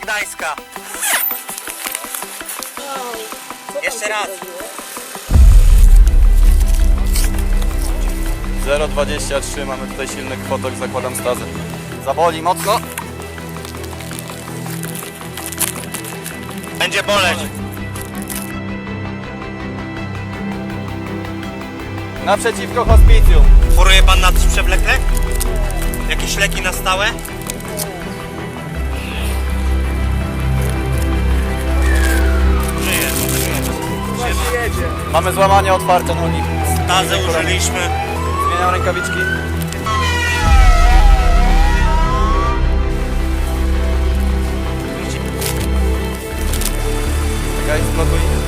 Gdańska. Jeszcze raz. 0,23, mamy tutaj silny kwotok, zakładam stazy. Zaboli mocno. Będzie boleć. Naprzeciwko hospicjum. Choruje pan na coś przewlekle? Jakieś leki na stałe? Żyje. Mamy złamanie otwarte nogi. Stazę użyliśmy. Zmieniam rękawiczki. Czekaj, spokój.